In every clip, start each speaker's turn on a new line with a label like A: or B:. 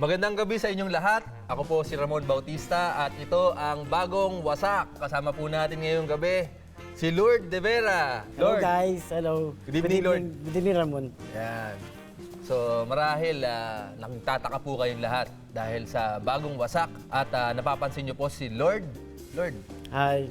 A: Magandang gabi sa inyong lahat. Ako po si Ramon Bautista at ito ang bagong wasak. Kasama po natin ngayong gabi si Lord De Vera.
B: Hello
A: Lord.
B: guys, hello.
A: Good evening, Lord.
B: Good evening, Ramon.
A: Yan. So marahil nagtataka po kayong lahat dahil sa bagong wasak at napapansin niyo po si Lord. Lord,
B: Hi.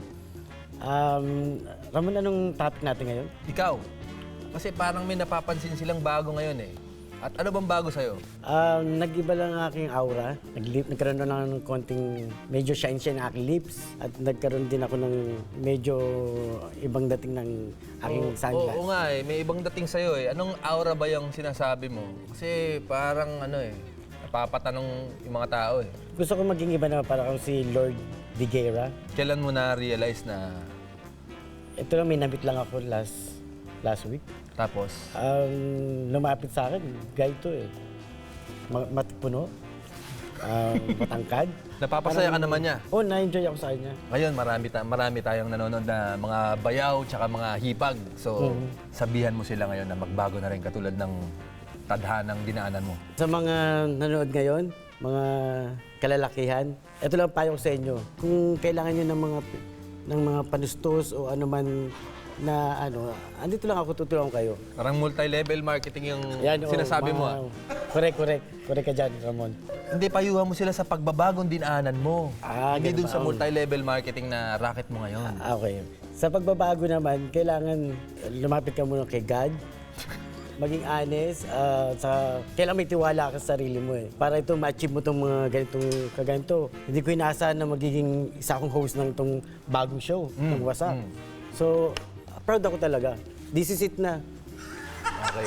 B: Ramon, anong topic natin ngayon?
A: ikaw. Kasi parang may napapansin silang bago ngayon eh. At ano bang bago sa'yo?
B: Nag-iba lang ang aking aura. Nagkaroon na lang ng konting medyo shine-shine ang aking lips. At nagkaroon din ako ng medyo ibang dating ng aking sunglass.
A: Oo nga eh, may ibang dating sa'yo eh. Anong aura ba yung sinasabi mo? Kasi parang napapatanong yung mga tao eh.
B: Gusto ko maging iba na para akong si Lord De Guerra.
A: Kailan mo na-realize na
B: Ito lang, may nabit lang ako last week.
A: tapos?
B: Lumapit sa akin, guy to eh. Matipuno. Matangkad.
A: Napapasaya ka naman niya.
B: Oo, na-enjoy ako sa kanya.
A: Ngayon, marami tayong nanonood na mga bayaw tsaka mga hipag. So, sabihan mo sila ngayon na magbago na rin katulad ng tadhanang dinaanan mo.
B: Sa mga nanonood ngayon, mga kalalakihan, ito lang payo ko sa inyo. Kung kailangan nyo ng mga panustos o ano man na andito lang ako, tutulungan kayo.
A: Parang multi-level marketing yung
B: Yan,
A: sinasabi mo.
B: Correct ka dyan, Ramon.
A: Hindi, payuhan mo sila sa pagbabagong dinaanan mo. Hindi
B: ganun
A: dun
B: ba?
A: sa multi-level marketing na racket mo ngayon.
B: Okay. Sa pagbabago naman, kailangan lumapit ka muna kay God. Maging honest, kailangan may tiwala ka sa sarili mo eh. Para ito ma-achieve mo itong mga kaganito. Hindi ko inaasahan na magiging isa akong host ng itong bagong show, ng Wasak. So, proud ako talaga. This is it na.
A: Okay.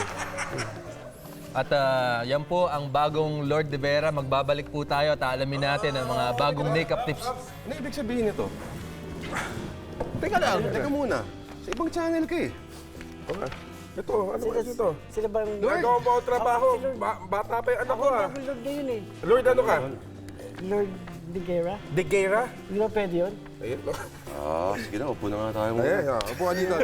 A: At yan po ang bagong Lord De Vera. Magbabalik po tayo at alamin natin ang mga bagong makeup tips.
C: Ano ibig sabihin nito?
A: Teka lang.
C: Teka muna. Sa ibang channel ka eh. Ito, ano kasi ito?
B: Sila bang...
C: Nagawa mo ako trabaho. Bata pa yung anak ko ah.
B: Ako Lord ngayon eh.
C: Lord, ano ka?
B: Lord De Guerra.
C: De Guerra?
B: Hindi ba pwede yun?
C: Ayun.
D: Sige na, upo na nga tayo muna.
C: Ayan, upo ka dito.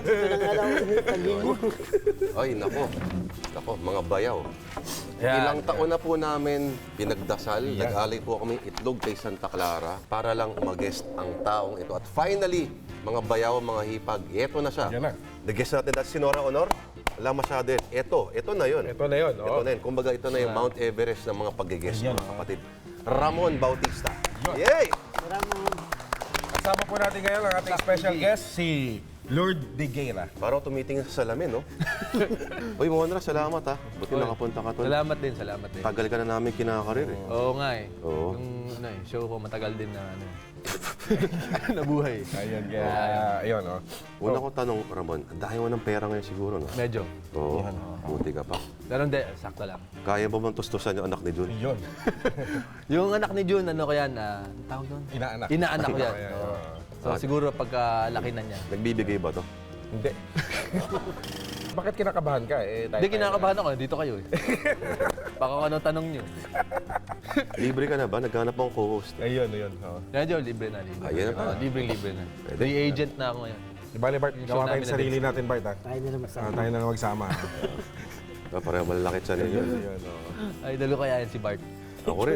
D: Ay, nako. Nako, mga bayaw.
A: Yan.
D: Ilang taon na po namin pinagdasal, nag-alay po kami itlog kay Santa Clara para lang mag-guest ang taong ito. At finally, mga bayaw, mga hipag, eto na siya.
C: Yan na.
D: The-guest natin dati si Nora Honor. Wala masyado yun. Ito na yun.
C: Ito na yun.
D: Ito na yun. Kumbaga, ito na yung Mount Everest ng mga pag-guest, mga kapatid. Ramon Bautista. Yay!
C: Kasama po natin ngayon ang ating special guest, si Lord De Guerra.
D: Parang tumitingin sa salamin, no? Uy, Monra, salamat ha. Buti nakapunta ka to.
A: Salamat din.
D: Tagal ka na namin kinakarir eh.
A: Oo nga eh.
D: Oo.
A: Yung show ko matagal din na nabuhay.
C: Ayun, kaya, ayun, oh.
D: Una kong tanong, Ramon, ang dahil mo ng pera ngayon siguro, no?
A: Medyo.
D: Oo, buti ka pa.
A: Pero hindi, sakto lang.
D: Kaya ba bang tustusan yung anak ni Jun?
C: Yun.
A: Yung anak ni June, ano ko yan? Tawag doon?
C: Inaanak.
A: Inaanak ko yan.
C: Ayan,
A: Oo. So siguro pagkalaki na niya.
D: Nagbibigay ba to?
C: Hindi. Bakit kinakabahan ka eh?
A: Hindi, kinakabahan ako. Dito kayo eh. Baka kung anong tanong niyo.
D: Libre ka na ba? Naghanap akong co-host.
C: Ayun, ayun. Oh.
A: Medyo libre na.
D: Ayan na pa.
A: Libre na. Free agent na ako ngayon.
C: Di ba, Bart? Gawa tayo
A: namin
C: yung sarili natin, Bart, ha?
B: Tayo na naman sa
C: Tayo na lang magsama.
D: Pareho malalakit sa ninyo.
C: Ayun, oh.
A: Ay, dalo kaya yan si Bart.
D: Ako rin.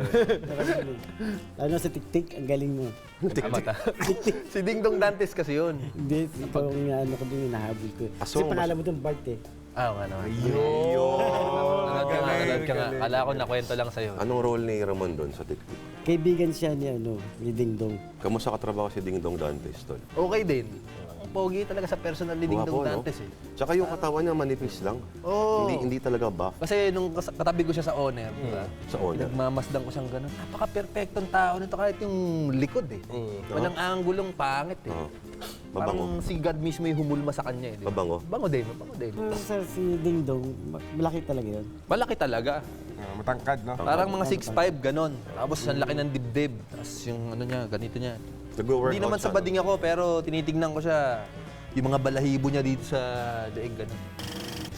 B: Lalo sa tik-tik, ang galing mo.
A: Mata. Si Ding Dong Dantes kasi yun.
B: Hindi, ikaw ang ano ko din, hinahabol ko. Kasi
D: Aso,
B: pangalan mo doon, Bart eh.
A: Ano. Nanood ka nga. Kala ko nakwento lang sa'yo.
D: Anong role ni Ramon doon sa TikTok?
B: Kaibigan siya ni Ding Dong.
D: Kamusta katrabaho si Ding Dong Dantes, tol?
A: Okay din. Pogi talaga sa personal ni Ding Dong
D: Guwapo, no?
A: Dantes eh.
D: Tsaka yung katawan niya manipis lang.
A: Oo.
D: Hindi talaga buff.
A: Kasi nung katabi ko siya sa owner, diba?
D: Sa owner.
A: Nagmamasdan ko siyang gano'n. Napaka-perfectong tao nito kahit yung likod eh. Walang anggulong pangit eh.
D: Mabango.
A: Parang si God mismo yung humulma sa kanya eh. Diba?
D: Mabango.
A: Mabango din.
B: Sa si Ding Dong, malaki talaga yun.
A: Malaki talaga.
C: Matangkad, no?
A: Parang mga 6'5", ganon. Tapos ang laki ng dibdib. Tapos yung ano niya, ganito niya.
D: Nagwo-workout
A: Hindi naman sa
D: siya, no?
A: bading ako, pero tinitignan ko siya. Yung mga balahibo niya dito sa daig, ganon.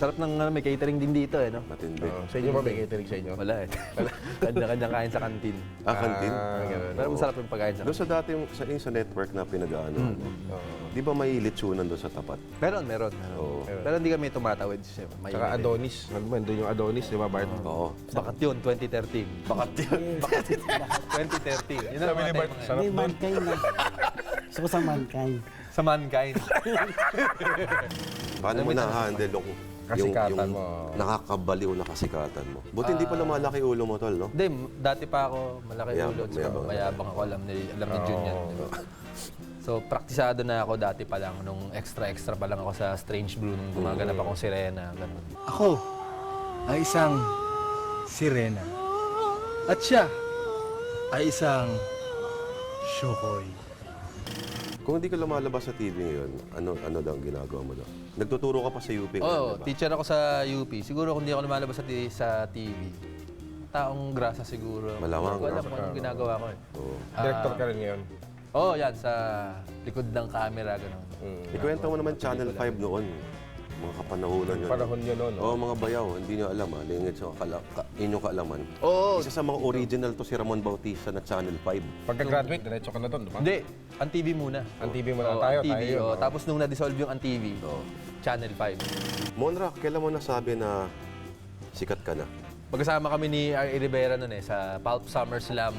A: Sarap ng may catering din dito eh, no?
D: Matindi.
C: Sa inyo ba may catering sa inyo?
A: Wala eh. Kanya-kanya kain sa kantin.
D: Kantin.
A: Pero masarap yung pagkain sa
D: Doon sa dati sa network na pinag-ano, di ba may litsunan doon sa tapat?
A: Meron.
D: Oo.
A: Pero hindi kami tumatawid. May
C: Saka Adonis. Alam mo, doon yung Adonis, di ba, Bart?
D: Oo.
A: Bakat yun, 2013. Bakat yun. 2013. Yun ang
C: Sabi ni
A: mga
C: Bart,
A: time na
C: sarap
B: May
C: doon.
B: mankind na. Gusto ko sa mankind.
A: sa mankind.
D: Paano mo na-handle yung
C: Kasikatan mo.
D: nakakabaliw na kasikatan mo? Buti hindi pa lumalaki ulo mo, tol, no?
A: Hindi, dati pa ako malaki
D: Mayabang,
A: ulo.
D: mayabang.
A: Mayabang ako, alam ni Jun yan. di ba? So, praktisado na ako dati pa lang. Nung extra pa lang ako sa Strange Blue. Nung gumaganap akong sirena. Ganun.
E: Ako ay isang sirena. At siya ay isang syokoy.
D: Kung hindi ka lumalabas sa TV ngayon, ano daw ang ginagawa mo daw? Nagtuturo ka pa sa UP ngayon,
A: Oo,
D: di ba?
A: teacher ako sa UP. Siguro kung di ako lumalabas sa TV, taong grasa siguro.
D: Malamang,
A: Hindi ko alam
D: no?
A: kung anong ginagawa ko eh.
D: Oo.
C: Director ka rin ngayon.
A: Oo, yan, sa likod ng camera, gano'n.
D: Ikwento mo naman Channel 5 noon. Mga kapanahunan yun.
C: Panahon yun noon.
D: Oo, mga bayaw. Hindi nyo alam, lingid sa inyong kaalaman.
A: Oo.
D: Isa sa mga original to si Ramon Bautista na Channel 5.
C: Pagka-graduate, diretso ka na doon, di ba?
A: Hindi, ang TV muna.
C: Ang TV muna.
A: Oo,
C: Tayo,
A: ang TV,
C: tayo yun,
A: oo.
C: oo.
A: Tapos nung na-dissolve yung ang TV, Channel 5.
D: Monra, kailan mo nasabi na sikat ka na?
A: Magkasama kami ni R.A. Rivera noon eh, sa Pulp SummerSlam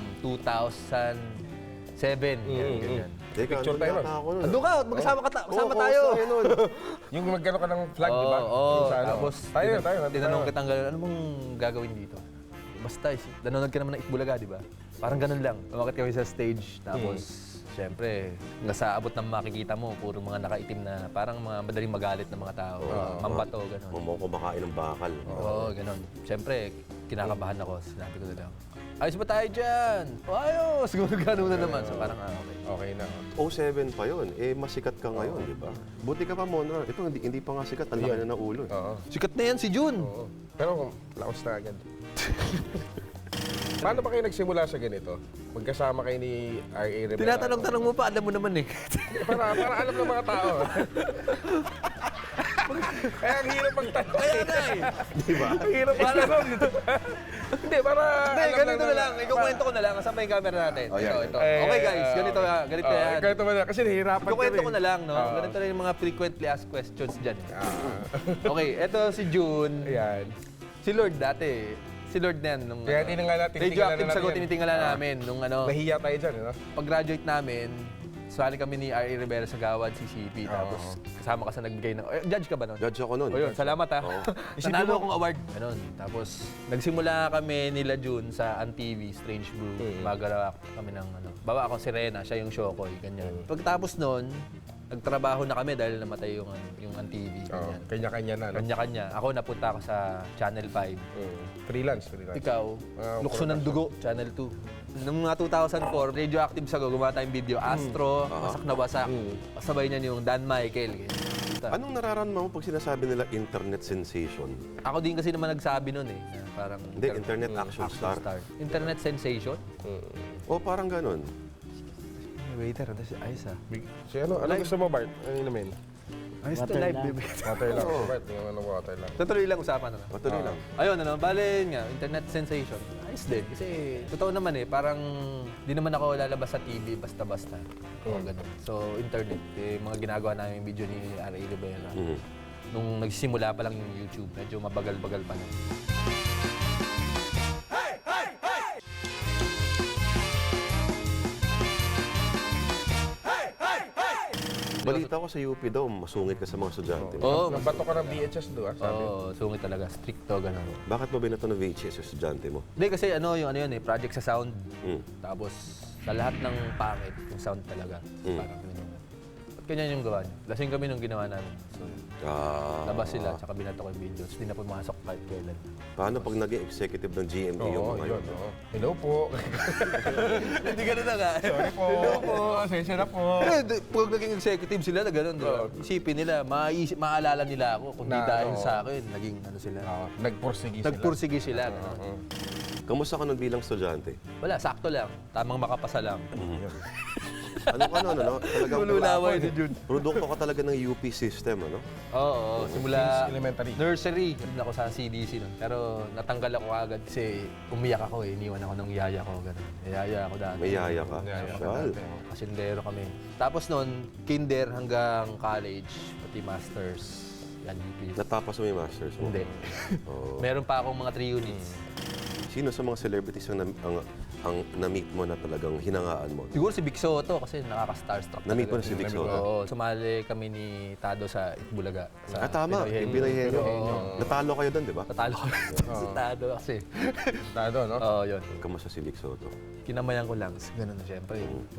A: 2007. Ganyan.
D: Teka,
C: Picture tayo nun.
D: ako nun.
A: Andun ka, magkasama
D: Oo,
A: tayo.
D: kamusta nun?
C: Yung magkano ka ng flag, di ba?
A: Oo,
C: Yung sa ano.
A: tapos
C: tayo, nandun
A: tinanong
C: tayo.
A: kitang gano'n, ano mong gagawin dito? Basta, nanonood ka naman ng Itbulaga, di ba? Parang ganun lang. Umakit kami sa stage, tapos syempre, hanggang sa abot ng makikita mo, puro mga nakaitim na, parang mga madaling magalit na mga tao, mambato, gano'n.
D: Mamo kumakain ng bakal.
A: Oo, gano'n. Syempre, kinakabahan ako, sinabi ko na lang, ayos ba tayo dyan? O ayos! Gano'n na naman. So parang, okay.
C: Okay na.
D: 07 pa yun. Eh, masikat ka ngayon, di ba? Buti ka pa, Monra. Ito, hindi pa nga sikat. Ang laki na ng ulo. eh.
C: Oo.
A: Sikat na yan si Jun.
C: Oo. Pero laos na agad. Paano ba kayo nagsimula sa ganito? Magkasama kayo ni R.A. Rivera?
A: Tinatanong-tanong mo pa, alam mo naman eh.
C: Para alam ng mga tao. Kaya ang hirap magtanong.
A: Kaya na eh.
C: Di ba? Ang hirap magtanong. Hindi, para
A: Hindi, ganito na lang. Ikukwento ko na lang. Kasama yung camera natin.
D: Oh, yan.
A: Ito. Okay guys, ganito yan.
C: Ganito ba na? Kasi nahihirapan
A: Ikukwento ko
C: rin.
A: na lang, no? Ganito na yung mga frequently asked questions dyan. Okay, ito si June.
C: Ayan.
A: Si Lord dati. Si Lord na yan. Nung,
C: Kaya tinitingala
A: radioactive
C: natin
A: sagot,
C: yan.
A: tinitingala namin. Nung ano,
C: Nahiya tayo dyan, no?
A: pag-graduate namin, sali kami ni R.A. Rivera sa Gawad, CCP. Tapos kasama ka sa nagbigay ng... judge ka ba nun?
D: Judge ako nun.
A: O yun, salamat ha.
D: Oo.
A: Nanalo akong award. Ganun. Tapos, nagsimula kami nila June sa AnTV, Strange Brew. Magagawa kami ng ano. Bawa ako si Rena, siya yung Shokoy, ganyan. Pagkatapos nun, nagtrabaho na kami dahil namatay yung AnTV.
C: Oo,
A: Ganyan.
C: kanya-kanya na, no?
A: Kanya-kanya. Ako napunta ako sa Channel 5.
C: Freelance.
A: Ikaw, Lukso ng Dugo, Channel 2. Noong mga 2004, Radioactive Sago, gumawa tayong video. Astro, Wasak na Wasak. Kasabay niyan yung Dan Michael. Ganyan.
D: Anong nararamdaman mo pag sinasabi nila internet sensation?
A: Ako din kasi naman nagsabi nun eh. Na parang
D: Hindi, internet action star.
A: Internet sensation?
D: O parang ganun.
A: Waiter, ayos ah.
C: So ano gusto mo, Bart? Ano yun namin?
A: Ayos
B: Water
A: to live,
B: lang.
A: baby.
C: Water lang. Bart, yung ano water lang.
A: Tutuloy lang usapan na.
D: Matuloy lang.
A: Ayun, ano, bale nga, internet sensation. Ayos din. Kasi, totoo naman eh, parang di naman ako lalabas sa TV basta-basta. O, ganun. So, internet, eh, mga ginagawa namin yung video ni R.A. Rivera. Nung nagsisimula pa lang yung YouTube, medyo mabagal-bagal pa lang.
D: Balita ko sa UP daw, masungit ka sa mga estudyante.
A: Oo,
C: Nabato ka ng VHS doon, sabi.
A: Oo, sungit talaga. Stricto, gano'n.
D: Bakit mo binato ng VHS yung estudyante mo?
A: Hindi, kasi ano yun eh, project sa sound.
D: Mm.
A: Tapos, sa lahat ng pangit, yung sound talaga. Parang ganyan. At ganyan yung gawa niya. Lasing kami nung ginawa namin. So, labas sila, tsaka binato ko yung video. Tapos, di na pumasok kahit kailan.
D: Paano pag naging executive ng GMA yung
C: Oo,
D: mga
C: yun.
D: yun?
C: oo. Hello po.
A: Hindi ganun na nga.
C: Sorry po. Hello po. Asensya na po.
A: Pag naging executive sila na gano'n, di ba? Isipin nila, maaalala nila ako kung di
C: Na,
A: dahil
C: oo.
A: sa akin, naging ano sila.
C: Nagpursige sila.
A: Nagpursige sila. ganun.
D: Kamusta ka nun bilang estudyante?
A: Wala, sakto lang. Tamang makapasa lang.
D: Ano? Talagang
A: Lululaway ni Jun.
D: produkto ka talaga ng UP system, ano?
A: Oo, simula
C: Since elementary.
A: nursery. Doon ako sa CDC nun. Pero natanggal ako agad kasi umiyak ako eh. Iniwan ako ng yaya ko. Ganun. Yaya ako dati.
D: May yaya ka. Social.
A: Kasindero kami. Tapos nun, kinder hanggang college, pati masters. Yan, UP.
D: Natapos mo yung masters mo?
A: Hindi.
D: Oo.
A: Meron pa akong mga 3 units.
D: Sino sa mga celebrities ang na-meet mo na talagang hinangaan mo?
A: Siguro si Vic Soto kasi nakaka-starstruck.
D: Na-meet mo na
A: talaga.
D: si Vic Soto?
A: Oo. Sumali kami ni Tado sa Itbulaga. Sa
D: Tama.
A: Pinoy
D: Yung Pinoy Henyo.
A: Oo.
D: Natalo kayo doon, di ba?
A: Natalo ko si Tado kasi.
C: Tado, no?
A: Oo, yun.
D: Kamusta si Vic Soto?
A: Kinamayan ko lang. Ganun na siyempre.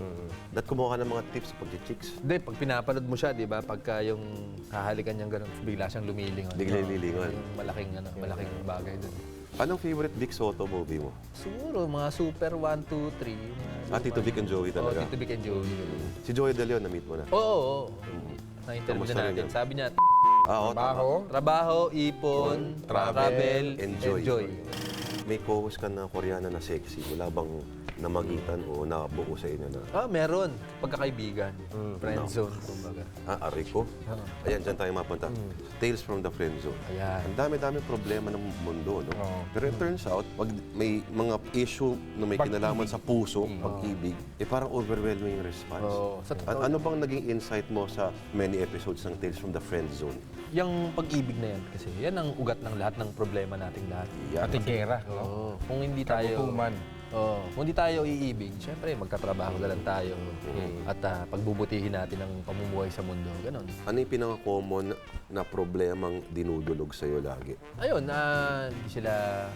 D: At kumuha ka ng mga tips pag chicks.
A: Hindi, pag pinapanood mo siya, di ba, pagka yung hahalikan niyang ganun, bigla siyang lumilingon.
D: Bigla yung lilingon.
A: Yung malaking bagay dun.
D: Anong favorite Vic Soto movie mo?
A: Siguro, mga Super 1, 2, 3. Yung mga
D: Tito Vic and Joey
A: Oo,
D: talaga.
A: Tito Vic and Joey. ganun.
D: Si Joey De Leon, na-meet mo na.
A: Oo, oo. Na-interview
D: Kamusta
A: na
D: rin
A: natin.
D: yun?
A: Sabi niya,
D: Oo,
C: Baho.
A: trabaho, ipon, travel, enjoy.
D: May co-host ka na Koreana na sexy. Wala bang namagitan o nabuo sa inyo na,
A: Meron. Pagkakaibigan. Friend zone, kumbaga.
D: Ariko? Ayan, dyan tayo mapunta. Tales from the Friend Zone.
A: Ayan.
D: Ang dami-dami problema ng mundo, no? Pero it turns out, pag may mga issue na may kinalaman sa puso, pag-ibig, parang overwhelming yung response.
A: Oo, sa totoo
D: Ano bang naging insight mo sa many episodes ng Tales from the Friend Zone?
A: Yung pag-ibig na yan, kasi yan ang ugat ng lahat ng problema nating lahat.
D: Yan.
C: Pati gera, no?
A: Oo. Kung hindi tayo...
C: Kagutuman.
A: Kung hindi tayo iibig, syempre magkatrabaho na lang tayo. At pagbubutihin natin ang pamumuhay sa mundo. Ganon.
D: Ano yung pinaka-common na problemang dinudulog sa'yo lagi?
A: Ayun, hindi sila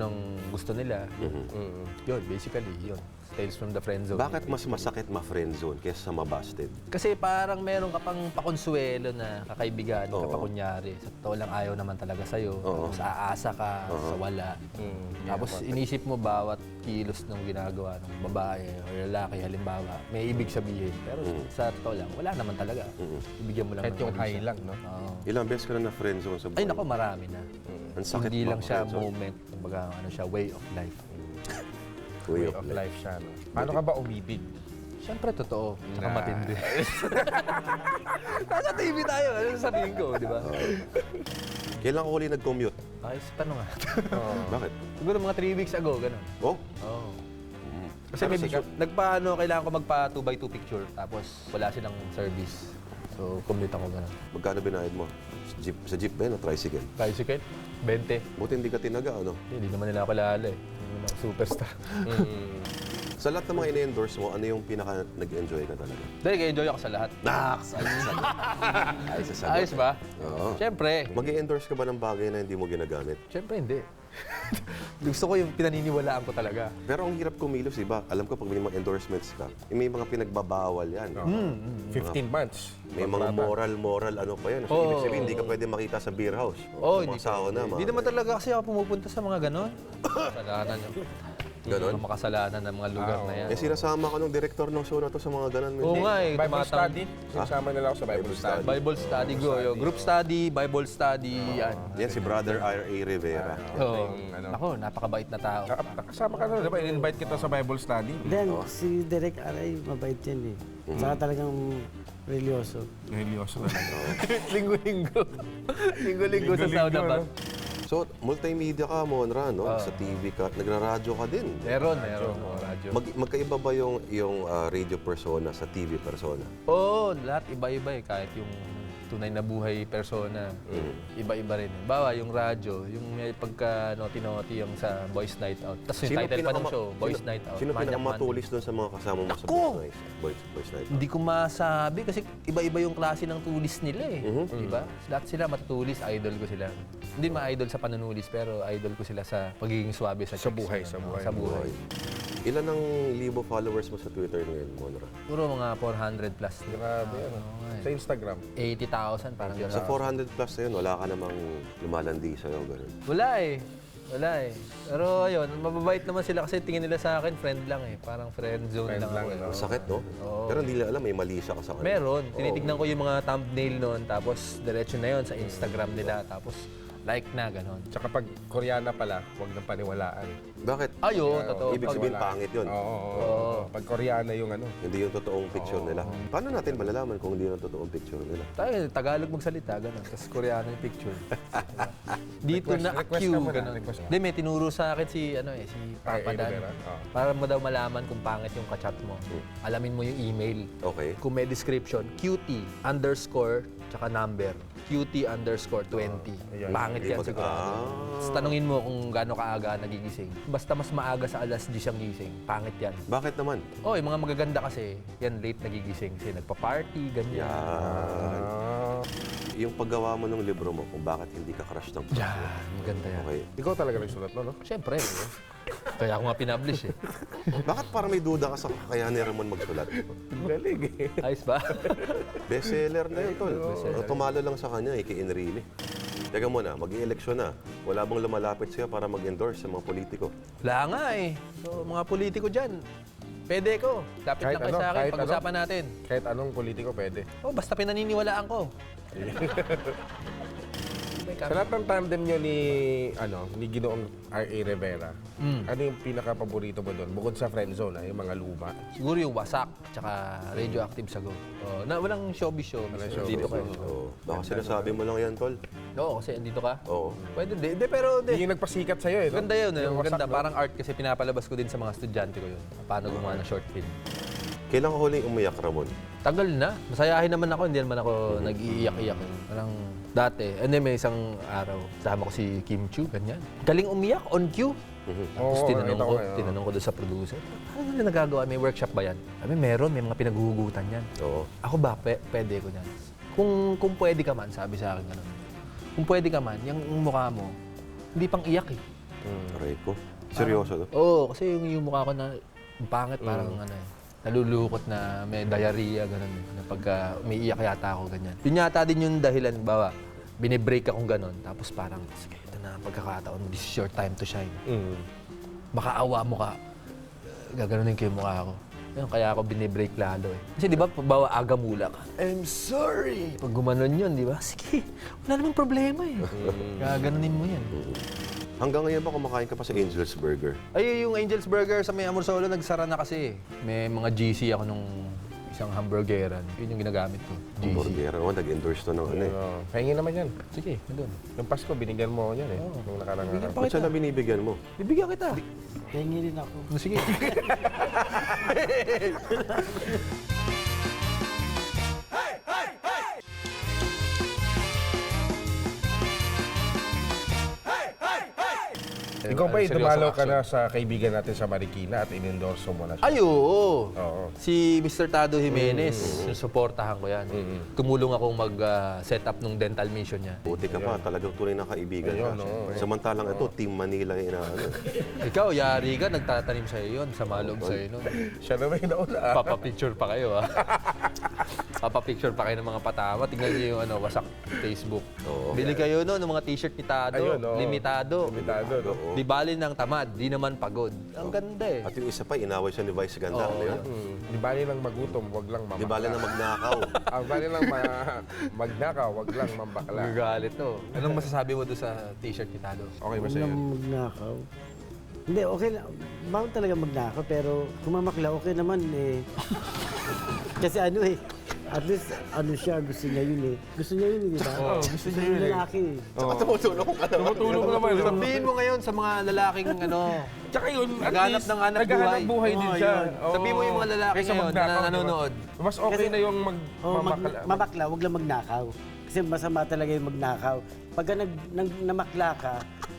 A: gusto nila. Yun, basically, yun. Tales from the Friend Zone.
D: Bakit mas masakit ma-friend zone kaysa sa ma-busted?
A: Kasi parang meron ka pang pakonsuelo na kakaibigan, kapakunyari. Sa totoo lang ayaw naman talaga sa'yo. Tapos aasa ka sa wala. Tapos inisip mo bawat kilos ng ginagawa ng babae o lalaki, halimbawa, may ibig sabihin. Pero sa totoo lang, wala naman talaga. Ibigyan mo lang
C: Kahit
A: ng
C: yung high
A: kabisa.
C: lang, no?
A: Oo.
D: Ilang beses ka na na-friend zone sa buhay?
A: Ay nako, marami na.
D: Ang sakit
A: Hindi
D: ba,
A: lang siya
D: friendzone?
A: moment, kumbaga ano siya, way of life.
D: Way
C: Way of life siya, no? Paano ka ba umibig?
A: Siyempre, totoo. Tsaka matindi. Nasa TV tayo. Ano sasabihin ko, di ba?
D: Kailan ko huli nag-commute?
A: Ayos, tanong nga.
D: Bakit?
A: Siguro mga 3 weeks ago, ganun.
D: Oh?
A: Oo. Kasi
D: Pero
A: may
D: sikat.
A: kailangan ko magpa 2x2 picture, tapos wala silang service. So, commute ako ganun.
D: Magkano binayad mo? Sa jeep ba yun o tricycle?
A: Tricycle, 20.
D: Buti hindi ka tinaga, ano?
A: Hindi naman nila ako kilala eh. Hindi naman ako superstar.
D: Sa lahat ng mga ine-endorse mo, ano yung pinaka nag-enjoy ka talaga?
A: Dahil enjoy ako sa lahat.
D: Naks! Ay, sa sagot.
A: Ayos ba?
D: Oo.
A: Siyempre.
D: Mag-endorse ka ba ng bagay na hindi mo ginagamit?
A: Siyempre hindi. Gusto ko yung pinaniniwalaan ko talaga.
D: Pero ang hirap kumilos, iba. Alam ko pag may mga endorsements ka, may mga pinagbabawal yan.
C: 15 months.
D: May mga moral, ano pa yan. So, ibig sabihin, hindi ka pwede makita sa beer house.
A: Oo,
D: Sa mga sauna,
A: Hindi naman talaga kasi ako pumupunta sa mga ganon. Kasalanan yun.
D: Ganon?
A: Hindi makasalanan ng mga lugar na yan.
D: Eh, sinasama ka ng director ng show na to sa mga ganon.
A: Oo nga eh.
C: Bible
A: tumatang-
C: study? Sinasama nila ako sa Bible study.
A: Bible study go. Group study, Bible study, yan.
D: Yan, si Brother R.A. Rivera.
A: Oo.
C: ano.
A: Ako, napakabait na tao.
C: Kasama ka na, di ba? In-invite kita sa Bible study.
B: Then, si Derek Aray, mabait yan eh. Saka talagang religyoso.
C: Religyoso na.
A: Linggo-linggo. Linggo-linggo sa sauna ba?
D: So, multimedia ka, Monra, no? Sa TV ka. Nagra-radyo ka din.
A: Meron. Oo, radyo.
D: Magkaiba ba yung radio persona sa TV persona?
A: Oo, lahat iba-iba eh. Kahit yung tunay na buhay persona, iba-iba rin. Bawa, yung radyo, yung may pagka naughty-naughty yung sa Boys Night Out. Tapos yung title pa ng show, Boys Night Out.
D: Sino
A: Manyak
D: pinakamatulis doon sa mga kasama mo sa
A: Ako!
D: Boys Night Out?
A: Hindi ko masabi kasi iba-iba yung klase ng tulis nila eh. Diba? Lahat sila matutulis, idol ko sila. Hindi ma-idol sa panunulis, pero idol ko sila sa pagiging swabe sa chicks.
C: buhay, sa buhay.
A: Sa buhay.
D: Ilan ang libo followers mo sa Twitter ngayon, Monra?
A: Puro mga 400 plus.
C: Grabe yan. Sa Instagram.
A: 80,000 parang gano'n.
D: Sa 400 plus na yun, wala ka namang lumalandi sa'yo, gano'n.
A: Wala eh. Wala eh. Pero ayun, mababait naman sila kasi tingin nila sa akin, friend lang eh. Parang friend zone
C: Friend
A: lang
C: lang,
A: ako eh.
C: no?
D: Ang sakit, no? Pero hindi nila alam, may mali siya ka sa kanila.
A: Meron. Tinitignan ko yung mga thumbnail noon, tapos diretso na yon sa Instagram nila. Tapos like na, ganon.
C: Tsaka pag Koreana pala, huwag nang paniwalaan.
D: Bakit?
A: Ayo, totoo.
D: Ibig sabihin pangit yun.
C: Oo. Pag Koreana yung ano.
D: Hindi yung totoong picture nila. Paano natin malalaman kung hindi yung totoong picture nila?
A: Tayo, Tagalog magsalita, gano'n. Tapos Koreano yung picture. Dito na
C: Request
A: Q,
C: ka muna,
A: gano'n.
C: request.
A: Hindi, may tinuro sa akin si Papa Dan.
C: Rivera? Oo.
A: Para mo daw malaman kung pangit yung kachat mo. Alamin mo yung email.
D: Okay.
A: Kung may description, QT underscore tsaka number. QT underscore 20.
C: Ayan.
A: Pangit yan sigurado. Tapos tanungin mo kung gaano kaaga nagigising. Basta mas maaga sa alas 10 siyang gising. Pangit yan.
D: Bakit naman?
A: Oh, yung mga magaganda kasi, yan late nagigising. Kasi nagpa-party, ganyan.
D: Yan. Yung paggawa mo ng libro mo kung bakit hindi ka crush ng crush mo.
A: Yan, maganda yan.
D: Okay.
C: Ikaw talaga nagsulat no?
A: Siyempre. Kaya ako nga pinablish eh.
D: Bakit parang may duda ka sa kakayahan ni Ramon magsulat?
C: Galing eh.
A: Ayos ba?
D: Bestseller na yun, tol. Tumalo lang sa kanya, kay Enrile. Teka muna, mag-i-eleksyon na. Wala bang lumalapit sa'yo para mag-endorse sa mga politiko?
A: Wala nga eh. So, mga politiko dyan, pwede ko. Lapit
C: Kahit
A: lang kayo
C: ano,
A: sa akin,
C: kahit
A: pag-usapan natin.
C: Kahit anong politiko pwede.
A: Oh, basta pinaniniwalaan ko.
C: Sa lahat ng tandem nyo ni Ginoong R.A. Rivera, ano yung pinaka-paborito mo doon? Bukod sa friendzone, yung mga luma.
A: Siguro yung wasak, tsaka radioactive sago. Oh, na walang showbiz. Dito kayo.
D: Oo. Baka sinasabi mo lang yan, tol.
A: Oo, kasi andito ka.
D: Oo.
A: Pwede, hindi, pero hindi.
C: Yung nagpasikat sa'yo eh. no?
A: Maganda yun,
C: Yung
A: maganda.
C: wasak, no?
A: Parang art kasi pinapalabas ko din sa mga estudyante ko yun. Paano gumawa ng short film.
D: Kailan ka huling umiyak, Ramon?
A: Tagal na. Masayahin naman ako, hindi naman ako nag-iiyak-iyak. Parang dati. And then may isang araw, kasama ko si Kim Chu, ganyan. Galing umiyak, on cue. Tapos
C: Oo,
A: tinanong
C: nakita
A: ko,
C: ko yun.
A: tinanong ko doon sa producer, ano nila nagagawa? May workshop ba yan? Sabi, meron, may mga pinaghuhugutan yan.
D: Oo.
A: Ako ba, pwede ko yan? Kung pwede ka man, sabi sa akin ganun. Kung pwede ka man, yung mukha mo, hindi pang iyak eh.
D: Aray ko. Seryoso, no?
A: Oo, kasi yung mukha ko na pangit, parang ano eh. Nalulukot na may diarrhea, gano'n. Na pagka may iyak yata ako, ganyan. Yun yata din yung dahilan, bawa, binibreak akong gano'n. Tapos parang, sige, ito na ang pagkakataon mo, this is your time to shine. Makaawa mo ka, gaganunin ko yung mukha ko. Yun, kaya ako binibreak lalo eh. Kasi di ba, bawa aga mula ka, I'm sorry! Pag gumanon yun, di ba? Sige, wala namang problema eh. Gaganunin mo yan.
D: Hanggang ngayon ba kumakain ka pa sa Angel's Burger?
A: Ay, yung Angel's Burger sa may Amor Solo, nagsara na kasi. May mga GC ako nung isang hamburgeran. Yun yung ginagamit ko, GC.
D: Hamburger. Oo, nag-endorse to ng ano eh.
C: Pahingi naman yan.
A: Sige, doon.
C: Yung Pasko, binigyan mo ako yan eh. Nung nakarang araw.
D: Ba't siya na binibigyan mo?
A: Bibigyan kita.
B: Hingi rin ako.
A: Sige.
C: Ikaw ba,
A: Seryoso
C: dumalo ka
A: action.
C: na sa kaibigan natin sa Marikina at in-endorso mo na siya?
A: Ay, oo.
C: Oo.
A: Si Mr. Tado Jimenez, susuportahan ko yan. Tumulong akong mag-set up ng dental mission niya.
D: Buti ka pa, talagang tunay na kaibigan ka.
C: Ayun, oo.
D: Samantalang ito, Team Manila yung inaano.
A: Ikaw, yari ka, nagtatanim sa'yo yun, sa malog sa'yo nun.
C: Siya naman yung nauna.
A: Papapicture pa kayo, ha? Papapicture pa kayo ng mga patama. Tingnan niyo yung wasak Facebook.
D: Oo.
A: Bili kayo no, ng mga t-shirt ni Tado.
C: Ayun, oo.
A: Limitado.
C: Limitado, no?
D: Oo.
A: Di bali ng tamad, di naman pagod. Ang ganda eh.
D: At yung isa pa, inaway siya ni Vice Ganda.
A: Oo,
D: Ano yun?
C: Di bali lang magutom, wag lang mamakla.
D: Di bala na magnakaw.
C: Ang bali lang magnakaw, wag lang mambakla.
A: Magagalit to. Anong masasabi mo doon sa t-shirt ni Tado?
C: Okay ba
B: Huwag
C: sa'yo?
B: na magnakaw. Hindi, okay lang. Bawal talaga magnakaw, pero kung mamakla, okay naman eh. Kasi ano eh, at least ano siya, gusto niya yun eh. Gusto niya yun, di ba? Oo, gusto niya yun lalaki eh.
D: Tumutulong ka naman.
C: Tumutulong naman.
A: Sabihin mo ngayon sa mga lalaking
C: Tsaka yun, at
A: Naghanap
C: least,
A: ng hanap
C: naghahanap
A: buhay.
C: buhay din
B: Oo,
C: siya.
B: yun.
C: Oo.
A: Sabihin mo yung mga lalaki
C: Kaysa
A: ngayon
C: magnakaw,
A: na
C: di ba?
A: nanonood.
C: Mas okay
B: Kasi-
C: na yung
B: Mamakla, wag lang magnakaw. Kasi masama talaga yung magnakaw. Pagka namakla ka,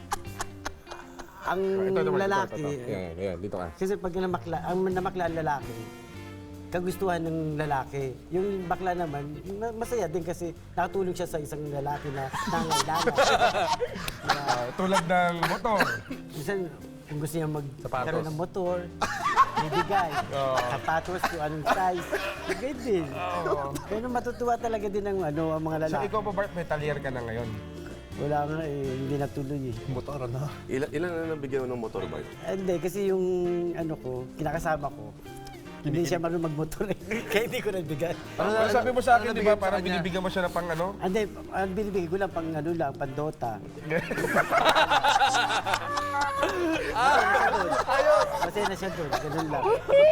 B: ang lalaki,
C: Yan, dito ka.
B: kasi pag namakla ang lalaki, kagustuhan ng lalaki. Yung bakla naman, masaya din kasi nakatulong siya sa isang lalaki na nangailangan.
C: Tulad ng motor.
B: Minsan, kung gusto niya magkaroon
A: Sapatos.
B: ng motor, bibigay. Sapatos, kung anong size, bigay din. Pero matutuwa talaga din ang mga
C: So
B: lalaki.
C: ikaw pa, Bart, metalier ka na ngayon.
B: Wala nga eh, hindi natuloy eh.
A: Motor na.
D: Ilan na nabigyan mo ng motor bike?
B: Hindi, kasi yung kinakasama ko, Hindi siya marunong magmotor eh. Kaya hindi ko nabigay.
C: Ano sabi mo sa akin, di ba?
A: nabigay mo sa
C: Parang
A: kanya?
C: binibigyan mo siya ng pang ano?
B: Hindi, ang binibigay ko lang pang ano lang, pang Dota. Ayos! Masaya na siya doon, ganun lang.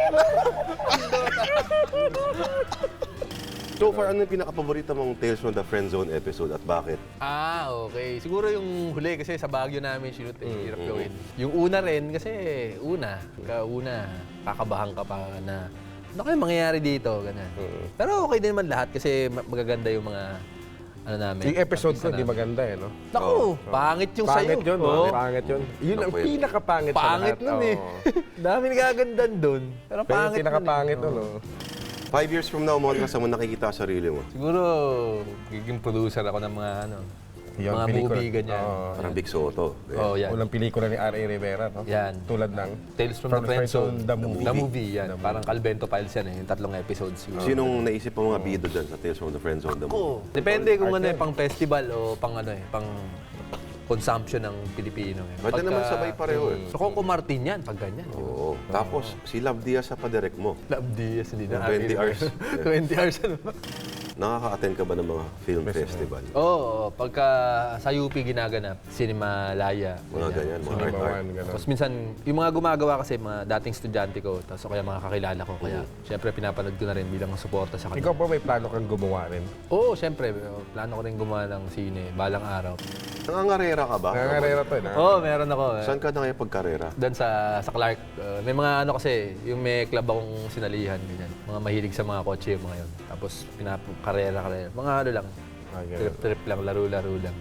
D: So far, ano yung pinaka-paborito mong Tales from the Friend Zone episode at bakit?
A: Okay. Siguro yung huli kasi sa Baguio namin shoot hirap gawin. Yung una rin kasi kauna, kakabahan ka pa na ano kaya mangyayari dito, ganyan. Pero okay din naman lahat kasi magaganda yung mga ano namin.
C: Yung episode ko,
A: artista
C: hindi
A: namin.
C: maganda eh, no?
A: Naku, pangit yung sayo.
C: Pangit yun, no?
A: Oo.
C: Pangit yun. Yun ang
D: Naku,
C: pinakapangit sa
A: Pangit
C: lahat.
A: nun eh.
C: Oo.
A: Dami nagagandan doon. Pero
C: Pero yung
A: pangit
C: pinakapangit
A: nun
C: nun,
A: eh.
C: no?
D: 5 years from now, Monra, saan mo nakikita sa sarili mo?
A: Siguro, giging producer ako ng mga ano,
C: Yung
A: mga
C: pelikula.
A: movie, ganyan.
C: Oo.
D: Parang Big Soto.
A: Oh, yan.
C: Unang pelikula ni R.A. Rivera, no?
A: Yan.
C: Tulad ng
A: Tales from the Friend Zone,
C: The Movie.
A: The Movie, yan. Parang Calvento Files yan eh, yung 3 episodes. Siguro.
D: Sinong naisip mo mga bido dyan sa Tales from the Friend Zone?
A: Ako, depende kung ano eh, pang festival o pang ano eh, pang consumption ng Pilipino. Eh.
D: Pwede naman sabay pareho eh.
A: So, Coco Martin yan, pag ganyan.
D: Oo. Tapos, si Love Diaz sa padirect mo.
A: Love Diaz, hindi na.
D: 20 hours.
A: 20 hours ano ba?
D: Nakaka-attend ka ba ng mga film festival?
A: Oo, pagka sa UP ginaganap, Cinema Laya.
D: Mga ganyan, mga
C: Cinema
D: art.
C: One, gano'n.
A: Tapos minsan, yung mga gumagawa kasi, mga dating estudyante ko, tapos o kaya mga kakilala ko. Kaya, syempre, pinapanood ko na rin bilang suporta sa kanila.
C: Ikaw pa may plano kang gumawa rin?
A: Oo, syempre, plano ko rin gumawa ng sine, balang araw.
D: Nangangarera ka ba?
C: Nangangarera to eh.
A: Oo, meron ako.
D: Saan ka na ngayon pagkarera?
A: Doon sa Clark, may mga ano kasi, yung may club akong sinalihan, ganyan. Mga mahilig sa mga kotse, yung mga yun. Tapos, karera. Mga ano lang,
C: Okay.
A: trip lang, laro-laro lang.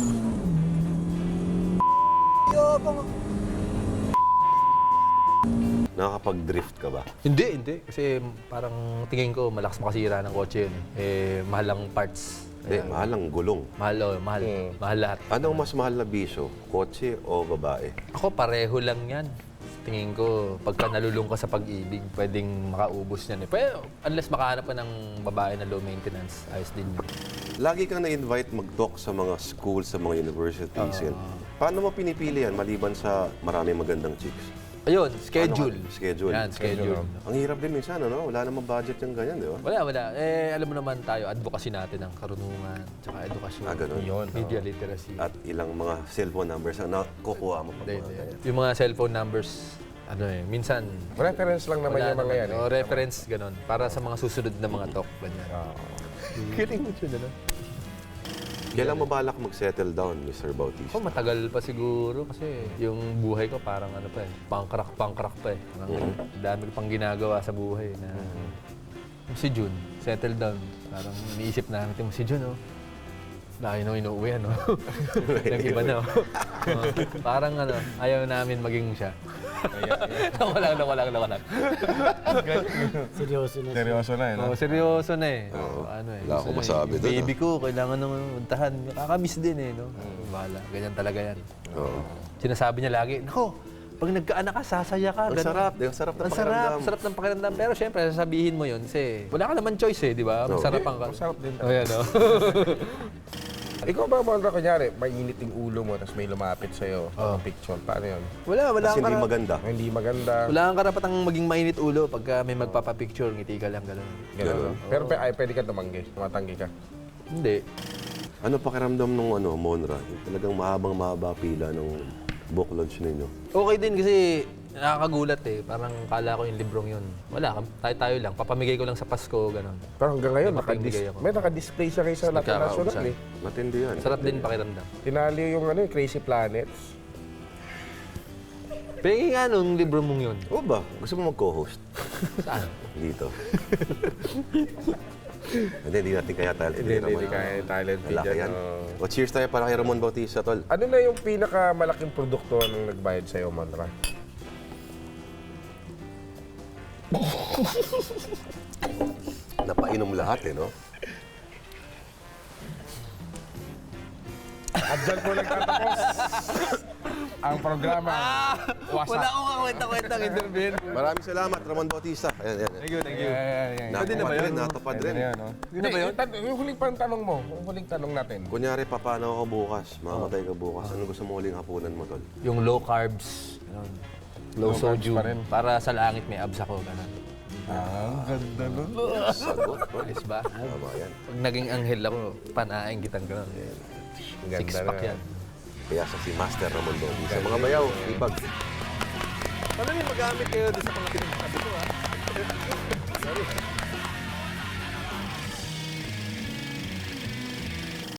D: Nakakapag-drift ka ba?
A: Hindi. Kasi parang tingin ko, malakas makasira ng kotse yun. Mahal lang parts.
D: Hindi, mahal ang gulong.
A: Mahal. Mahal lahat.
D: Anong mas mahal na bisyo? Kotse o babae?
A: Ako, pareho lang yan. Tingin ko, pagka nalulung ka sa pag-ibig, pwedeng makaubos yan eh. Pero unless makahanap ka ng babae na low maintenance, ayos din yun.
D: Lagi kang na-invite mag-talk sa mga schools, sa mga universities. Yan. Paano mo pinipili yan maliban sa maraming magandang chicks?
A: Ayun, schedule.
D: Ano ka? Schedule.
A: Yan, schedule.
D: Ang hirap din minsan, ano? Wala namang budget yung ganyan, di ba?
A: Wala. Alam mo naman tayo, advocacy natin ng karunungan, tsaka edukasyon.
D: Ganun.
C: Yun.
A: Media literacy.
D: At ilang mga cellphone numbers ang nakukuha mo pa.
A: Yung mga cellphone numbers, minsan
C: Reference lang naman
A: wala
C: yung mga yan.
A: naman. Reference, ganun. Para sa mga susunod na mga talk, ganyan. Kiling mo yun, ano?
D: Kailan mo balak mag-settle down, Mr. Bautista?
A: Ako, matagal pa siguro kasi yung buhay ko parang ano pa eh, pangkrak pa eh. Parang dami ko pang ginagawa sa buhay na si Jun, settle down. Parang iniisip namin, si Jun, oh. Laki no inuwi, ano? Nag-iba na, oh. Parang ano, ayaw namin maging siya. Wala lang.
B: Seryoso na.
C: Seryoso na eh, no?
A: Seryoso na eh. Ano eh.
D: Wala akong
A: gusto na
D: masabi
A: eh.
D: doon,
A: Baby ko, kailangan naman untahan. Kakamiss din eh, no? Bahala. Ganyan talaga yan.
D: Oo.
A: Sinasabi niya lagi, nako, pag nagkaanak ka, sasaya ka.
D: Ang
A: ganun."
D: sarap. Ang sarap ng
A: Ang
D: pakiramdam.
A: sarap ng pakiramdam. Pero syempre, sasabihin mo yun kasi wala ka naman choice eh, di ba? Masarap ang
C: Masarap din.
A: Oh, yan, oh.
C: Ikaw ba, Monra, kunyari, mainit yung ulo mo, tapos may lumapit sa'yo, picture, paano yun?
A: Wala
D: Kasi hindi maganda.
C: Hindi maganda.
A: Wala kang karapatang maging mainit ulo pagka may magpapapicture, ngiti ka lang, gano'n.
C: Ganun. Pero pwede ka tumanggi, tumatanggi ka.
A: Hindi.
D: Ano pakiramdam nung Monra? Yung talagang mahaba pila ng book launch ninyo.
A: Okay din kasi nakakagulat eh. Parang kala ko yung librong yun. Wala, tayo lang. Papamigay ko lang sa Pasko, gano'n.
C: Pero hanggang ngayon,
A: May mapamigay ako.
C: may naka-display siya kayo sa national eh.
D: Matindi yan.
A: Sarap din pakiramdam.
C: Tinali yung Crazy Planets.
A: Pwede nga nung libro mong yun.
D: Oo ba? Gusto mo mag-co-host?
A: Saan?
D: Dito. Hindi natin kaya talent.
C: Hindi kaya talent fee
D: Malaki
C: dyan.
D: yan. O cheers tayo para kay Ramon Bautista, tol.
C: Ano na yung pinakamalaking produkto nung nagbayad sa'yo, Monra?
D: Napainom lahat eh, no?
C: At dyan po nagtatapos ang programa.
A: Wala akong kakwenta-kwentang interview.
D: Maraming salamat, Ramon Bautista. Ayan.
A: Thank you.
C: Pwede
A: na ba yun?
D: Natupad rin.
A: Hindi na ba yun?
C: Yung huling pang tanong mo, yung huling tanong natin.
D: Kunyari, paano ako bukas? Mamamatay ka bukas. Ano gusto mo huling hapunan mo, tol?
A: Yung low carbs, ganun. Low
C: Low carbs
A: sodium.
C: pa rin.
A: Para sa langit may abs ako, ganun.
C: Ang ganda nun.
D: Sagot, no?
A: Ayos ba?
D: Tama yan.
A: Pag naging anghel ako, panaing kitang gano'n.
C: Ang ganda
A: Six-pack
C: na.
A: yan.
D: Kaya si Master Ramon Lodi. Sa mga bayaw, hipag.
A: Paano yung magamit kayo doon sa mga pinagsasabi ko, ha? Sorry.